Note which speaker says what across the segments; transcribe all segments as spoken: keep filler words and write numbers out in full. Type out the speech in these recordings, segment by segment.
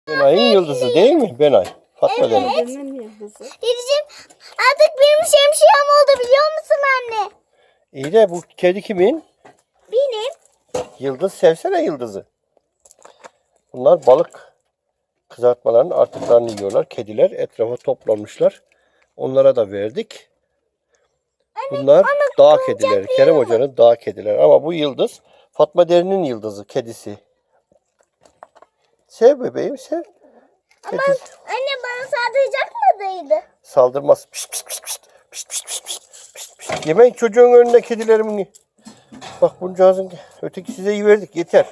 Speaker 1: Benay'ın yıldızı değil mi? Benay. Fatma demek.
Speaker 2: Evet.
Speaker 3: Yıldızı.
Speaker 2: Dedeciğim artık benim şemsiyem oldu biliyor musun anne?
Speaker 1: İyi de bu kedi kimin?
Speaker 2: Benim.
Speaker 1: Yıldız sevsene yıldızı. Bunlar balık kızartmalarının artıklarını yiyorlar. Kediler etrafa toplanmışlar. Onlara da verdik. Bunlar dağ kedileri. Kerem Hoca'nın dağ kedileri. Ama bu yıldız Fatma Derin'in yıldızı, kedisi. Sev bebeğim, sev. Kedi
Speaker 2: Anne bana saldıracak mıydı?
Speaker 1: saldırmaz. Pişt, pişt, pişt, pişt. Pişt, pişt, pişt, pişt, pişt, pişt. Yemeyin çocuğun önünde kedilerimi. Bak buncağızın öteki size iyi verdik, yeter.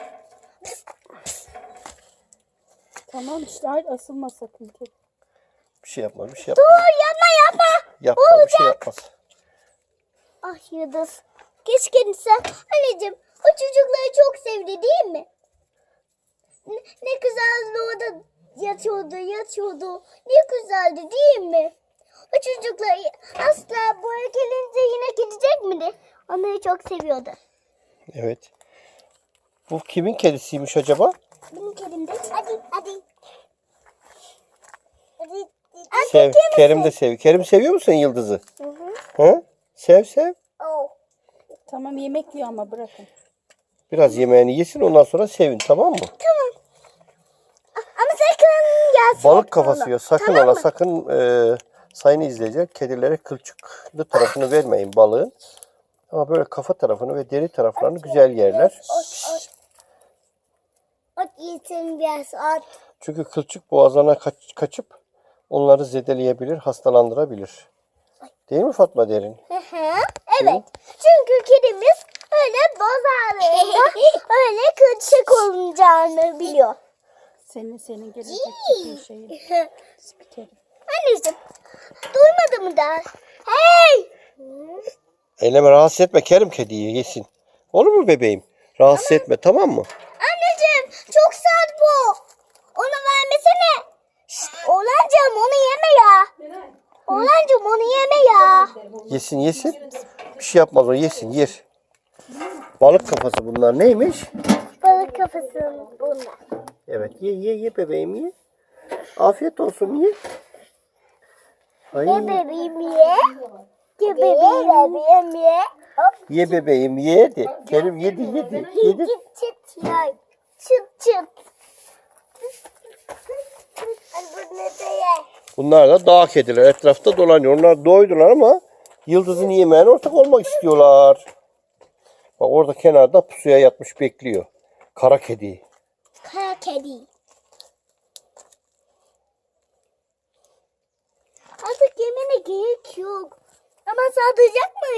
Speaker 3: Tamam işte hayır asılma sakın.
Speaker 1: Bir şey yapmaz, bir şey yapmaz.
Speaker 2: Dur yapma yapma.
Speaker 1: Yapma, bir şey yapmaz.
Speaker 2: Ah Yıldız. Keşke sen. Anneciğim o çocukları çok sevdi değil mi? Ne, ne güzeldi orada yatıyordu yatıyordu. Ne güzeldi değil mi? O çocuklar asla buraya gelince yine gidecek miydi? Onları çok seviyordu.
Speaker 1: Evet. Bu kimin kedisiymiş acaba?
Speaker 2: Benim kedim de. Hadi hadi. Hadi.
Speaker 1: Sev. Kerim de sev. Kerim seviyor musun Yıldız'ı?
Speaker 2: Hı hı.
Speaker 1: Hı? Sev sev.
Speaker 2: Oh.
Speaker 3: Tamam yemek yiyor ama bırakın.
Speaker 1: Biraz yemeğini yesin ondan sonra sevin, tamam mı?
Speaker 2: Tamam. Ama sakın gelsin.
Speaker 1: Balık kafası yiyor. Sakın
Speaker 2: Tamam
Speaker 1: ola
Speaker 2: mı?
Speaker 1: sakın e, sayın izleyiciler kedilere kılçıklı tarafını vermeyin balığın. Ama böyle kafa tarafını ve deri taraflarını güzel yerler.
Speaker 2: Ot ot. Ot yesin biraz ot.
Speaker 1: Çünkü kılçık boğazlarına kaç, kaçıp onları zedeleyebilir, hastalandırabilir. Değil mi Fatma Derin?
Speaker 2: Hı hı. Evet. Çünkü kedimiz öyle bozarlığında öyle kılçık olacağını biliyor.
Speaker 3: Senin senin gelecek bir şeyin. Spikerim.
Speaker 2: Anneciğim duymadı mı da? Hey!
Speaker 1: Eyleme, rahatsız etme Kerim kediyi, yesin. Olur mu bebeğim? Rahatsız etme, tamam mı?
Speaker 2: Anneciğim çok sert bu. Onu vermesene. Şşt, Oğlancığım onu yeme ya. Oğlancığım onu yeme ya.
Speaker 1: Yesin yesin. Bir şey yapmaz o, yesin yer. Balık kafası bunlar neymiş?
Speaker 2: Balık kafası bunlar.
Speaker 1: Evet ye ye ye bebeğim ye. Afiyet olsun ye. Ay,
Speaker 2: Ye bebeğim ye. Ye bebeğim ye. Hop.
Speaker 1: ye bebeğim ye de. Kerim yedi yedi yedi.
Speaker 2: Çıt çıt yay. Çıt çıt. Ay bu ne de ye.
Speaker 1: Bunlar da dağ kediler etrafta dolanıyor. Onlar doydular ama yıldızın yemeğine ortak olmak istiyorlar. Bak orada kenarda pusuya yatmış bekliyor. Kara kedi.
Speaker 2: Kara kedi. Artık yemene gerek yok. Ama saldıracak mı?